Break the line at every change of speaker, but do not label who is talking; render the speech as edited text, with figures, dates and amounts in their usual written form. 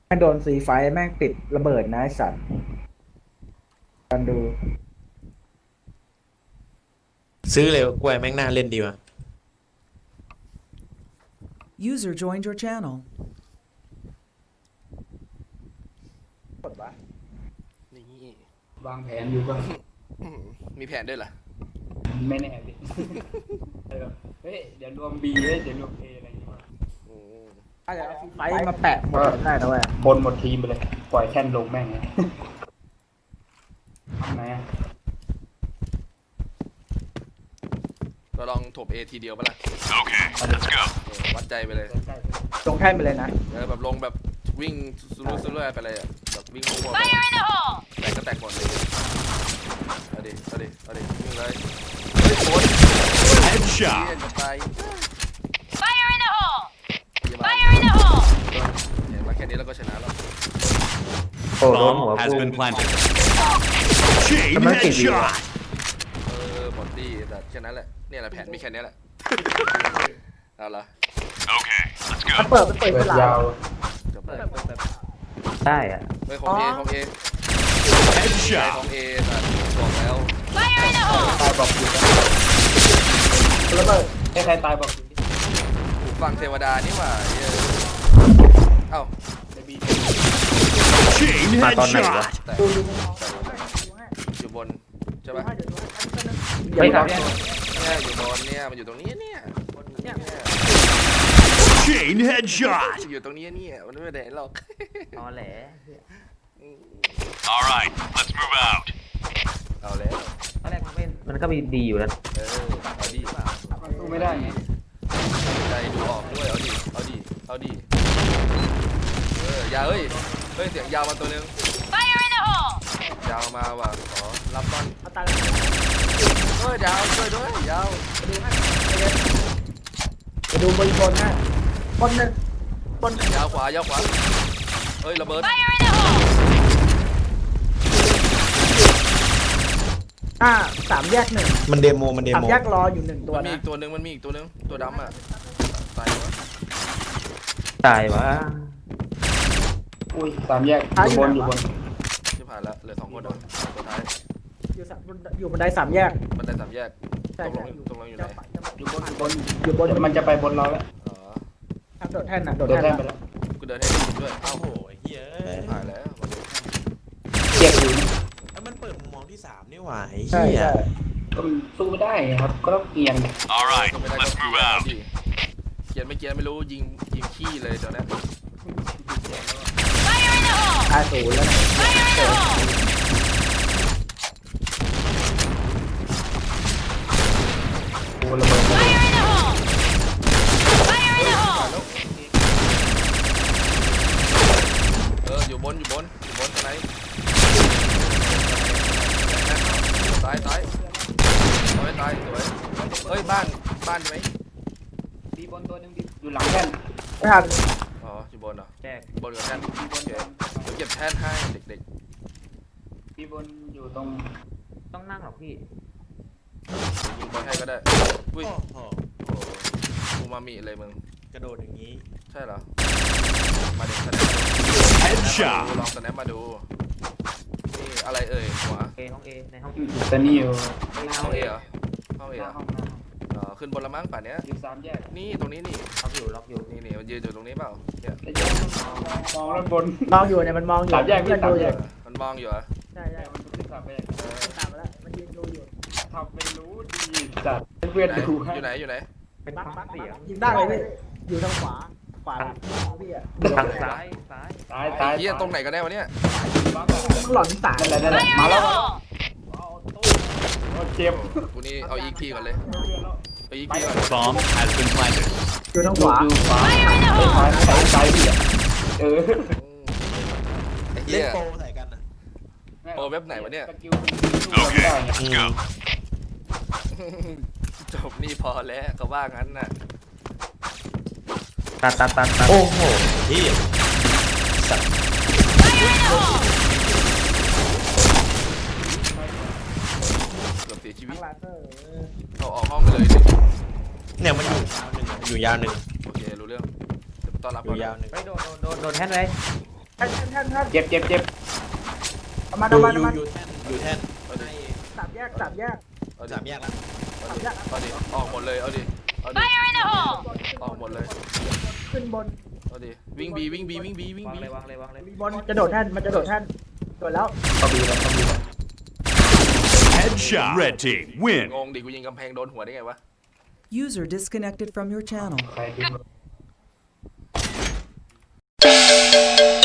แม่งโดนซีไฟแม่งติดระเบิดนะไอ้สัตว์กันดู
ซื้อเลยกล้วยแม่งน่าเล่นดีว่ะ
User joined your channel.
กดวะ
นี่
วางแผนอยู่ก็
มีแผนด้วยเหรอ
ไม่แน่ดิเฮ้ยเดี๋ยวรวม B เฮ้ยเดี๋ยวรวม A อะไรอย่างเงี้ย
อืม
ถ้าจะเอาซีไฟมาแปะหมดได้นะเว้ย
บนหมดทีมไปเลย ปล่อยแค่นลงแม่งเลยทำไงอ่ะ
เราลองถม A ทีเดียวปะล่ะ
let's go
วัดใจไปเลย
ใกล้
ลงแท่นไปเลยนะ
แบบลงแบบวิ่งซุรุ่ยซุรุ่ยไปเลยอะแบบวิ่งมั่วๆไปแตกก็แตกหมดเลยเอาดิเอาดิเอาดิวิ่งเลยเฮ้ยโคตรเฮียจะตาย
Fire in the hole!
เยี่ยมมาก
Fire in the hole!
เห็นมาแค่นี้แล้วก็ชนะแล้ว
โอ้โดน
Bomb
หัว
has
กู
been planted. Chain
ทำไมติดอยู่อะ
headshot.
หมดดีแต่แค่นั้นแหละเนี่ยแหละแผนมีแค่นี้แหละเอาละ
Okay, let's
มัน
go.
เปิดมันเปิด
เปิ
เว
ด
ลาย
าว
จบเลย
ได้อะ
เฮ้ยของ A ของ A ของ
Headshot.
A แต่บอกแล้ว
Fire in the hole!
ตายบอกอยู่
ระเบิด
ให้ใครตายบอกอยู่ดิ
หูฟังเทวดานี่หว่าเหี้ยเอ้า
ใน B
Chain
มาตอนไหนวะ
headshot.
แต่
ดูดู
อยู่บนใช่ปะ
เดี๋ยว
เฮ้ย
ก่อน
เนี่ยอยู่บนเนี่ยมันอยู่ตรงนี้เนี่ยเนี่ย
Chain headshot.
อยู่ตรงนี้เนี่ยมันไม่ได้หรอก
ตอแหล
All right, let's move out.
เอาแล้ว
ตอนแรกมันก็มีดีอยู่นะ
เอาดิ
มันสู้ไม่ได้ไง
ใจดูออกด้วยเอาดิเอาดิเอาดิยาวเฮ้ยเสียงยาวมาตัวนึง
Fire in the hole!
ยาวมาว่ะขอรับบอล
เอาตาย
ยาวช่วยด้วยยาว
ไปดูบนบนนะบนหนึ่งบน
ยาวขวายาวขวาเฮ้ยระเบิด
Fire in the hole!
สามแยกหนึ่ง
มันเดโมมันเด
สาม
โม
แยกรออยู่หนึ่งตัว
มันมี
นะ
อีกตัวนึงมันมีอีกตัวนึงตัวดำอ่ะตายวะ
ตายวะ
อุ้ยสามแยกอยู่บนอยู่บน
ที่ผ่านแล้วเหลือ2 คนอ่ะตัวท้าย
อยู่บันไดสามแยก
มันได้3 แยก
ใช่
ตกล
ใช่
งตกลงอยู่ไหน
อยู่บนอยู่บน
อยู่บน
มันจะไปบนเราแล้ว
อ๋อ
ทางโดดแท่นน่ะโดด
โดน
แท่น
แท่นไป
น่ะ
แล้ว
กูเดินให้ดูด้วยเอ้า
โอ้โหเฮ้ย
ผ่านแล้ว
เจ็บอยู่
แล้วมันเปิดมุมมองที่3นี่หว่าไอ้
ใช่
เหี้ย
ใช่
ก็มันสู้ไม่ได้ครับ ก็ต้องเกียง
All right,
ก็ไม่ได้ก็
let's
เกี
move
ยร์
out.
ดิเกียร์ไม่เกียร์ไม่รู้ยิงขี้เลยเดี๋ยวนี้
Fire in the hole!
50แล้วนะ
Fire in the hole!
โอ้ระเบิด
Fire in the hole! Fire in the hole!
อยู่บนทางไหนตายตายสวยเฮ้ยบ้านใช่ไหม
บีบนตัวหนึงบีอยู่หลังแท่น
ไม่ทัน
อ๋ออยู่บนเหรอ
แจก
บนกับแท่น
บีบ
โอน เคเดี๋ยวเก็บแท่นให้เด็ก
บีบนอยู่ตรง
ต้องนั่งหรอกพี่
ๆยิงบอลให้ก็ได้อุ้ย
โอ้โห
โอ้โหอูมามิเลยมึง
กระโดดอย่างนี้
ใช่เหรอมาเด็กสแนป
Headshot.
ลองสแนปมาดูนี่อะไรเอ่ยหัว
ห้องเอในห้อง
อยู่แต่นี่อยู่
ห้องเอเหรอห้องเอ
ห
เหร
น้า
อ
ห้องหน้าห้อง
ขึ้นบนละมั้งป่านเนี้ย
อยู่สามแยก
นี่ตรงนี้นี่
ล็อกอยู่
นี่มันยืนอยู่ตรงนี้เปล่าเนี่ย
แต่ยังมองแล้วบน
มองอยู่เนี่ยมันมองอยู่
สามแยกพี่
เพื่อนดูอยู่
มันมองอยู่เหรอ
ใช่ใช่
มันขึ้นสามแยก
ตามมาแล้วมันยืนดูอยู่
ทำไม่รู้ดีจัดให้เพื่อนดูให้
อยู่ไหน
เป็น
บัก
ห้อง
บัก
เสียง
ยิงได้เลยพี่อยู่ทางขวาพี่อะ
ทางซ้าย
ตาย
ไอ้
ตาย
เหี้ยตรงไหนกันแน่วะเนี่ย
มันหล่อนสาย
นั่นแหละ
Fire
มา
in
แล้
the
ว
hole!
เจ็บ
กูนี่เอาอีกพีก่อนเลยเอาอีกพีก่อน
Bomb has been planted.
อยู่ทางขวา
อยู่ขวาซ้ายพี่อ่ะเออ
ไอ้
เล่
เหี้
น
ย
โปรใส่กันอ่ะ
โอ้เว็บไหนวะเนี่ย
Okay, let's go.
จบนี่พอแล้วเขาว่างั้นน่ะ
ตัด
โอ้โหเหี้ย
Fire in the hole!
เกือบเสียชีวิ
ทา
ต
งลาเซอร์
เขาออกห้องไปเลยดิ
เนี่ยมันอยู่ยาวหนึ่ง
โอเครู้เรื่องเดี๋ยวไปต้อนรับ
อยู่ยาวหนึ่ง
ไปโดนแท่นเลย
แท่น
เจ็บ
เอามา
อยู่แท่น
เอาดิ
สามแยก
เอาดิ
สามแยกแล้ว
เอาดิออกหมดเลยเอาดิเอาดิ
Fire in the hole!
ออกหมดเลย
ขึ้นบน
เอาดิวิ่งบีวิ่งบีวิ่งบีวิ่ง
วาง
บี
เลยวางเลยวางเลย
บนจะโดดแท่นมันจะโดดแท่นโดดแล้ว
Headshot. Red team win.
งงดิกูยิงกำแพงโดนหัวได้ไงวะ
User disconnected from your channel.
ใครดิ้น